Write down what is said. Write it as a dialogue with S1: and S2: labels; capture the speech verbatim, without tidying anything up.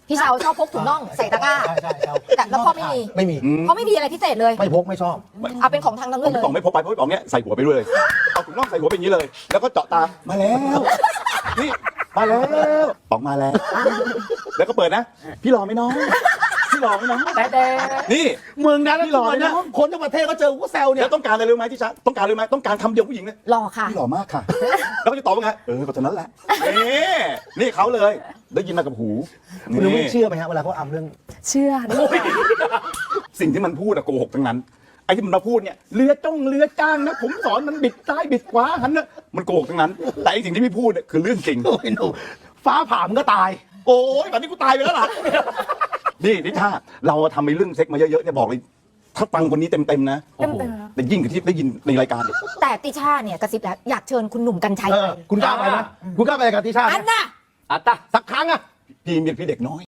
S1: พี่เชาชอบพกถุงน่องใส่ตะกร้า
S2: ใช่ใช่ใช่
S1: แต่แล้วพ่อไม่มี
S2: ไม่มี
S1: เขาไม่มีอะไรพิเศษเลย
S2: ไม่พกไม่ชอบ
S1: เอาเป็นของทางนั้น
S3: ผม
S1: เลย
S3: พี่ป๋องไม่พกไปเพราะพี่ป๋องเนี้ยใส่หัวไปด้วยเลยเอาถุงน่องใส่หัวไปอย่างนี้เลย แล้วก็เจาะตามาแล้วนี่มาแล้วออกมาแล้ว แล้วก็เปิดนะ พี่รอไหมน้องพี่รอไหมน้อง
S1: แต่แต่
S3: นี่
S2: มึงนะ
S3: พี่หล่อเลยนะ
S2: คนทั้งประเทศก็เจอกูก็แซวเนี่
S3: แล้
S2: ยว
S3: ต้องการอะไรรู้ไหมที่ชะต้องการอะไรรู้ไหมต้องการคำเดียวผู้หญิงเนี่ย
S1: หล่อค่ะ
S3: พี่หล่อมากค่ะ แล้วก็จะตอบว่าไงเออก็เท่านั้นแหละนี่นี่เขาเลย ได้ยินมากับหู
S2: คุณรู้ไม่
S3: นี่
S2: เชื่อไหมฮะเวลาเขาอำเรื่อง
S1: เชื่อนี่ค่ะ
S3: สิ่งที่มันพูดอะโกหกทั้งนั้นไอ้ที่มันมาพูดเนี่ยเรือจ้องเรือจ้างนะผมสอนมันบิดซ้ายบิดขวาหันนะมันโกหกทั้งนั้น แต่ไอ้สิ่งที่พี่พูดเนี่ยคือเรื่องจริง
S2: โอ้ยหนูฟ้าผ่ามันก็ตาย
S3: โอ้ยแบบนี้กูตายไปแล้วล่ะ นี่นิชาเราทำไอ้เรื่องเซ็กมาเยอะๆเนี่ยบอกเลยถ้าฟังคนนี้เต็มๆนะ
S1: เต็มๆนะ
S3: แต่ยิ่งกว่าที่ได้ยินในรายการเนี่ย
S1: แต่ติช่าเนี่ยกระซิบแล้วอยากเชิญคุณหนุ่มกัญชัย
S2: เอ
S1: ไป
S2: อคุณกล้าไปไหมคุณกล้าไปกับทิชาไหม
S1: อันน่ะ
S4: อัตตา
S2: สักครั้งอะ
S3: พี่มีพี่เด็กน้อย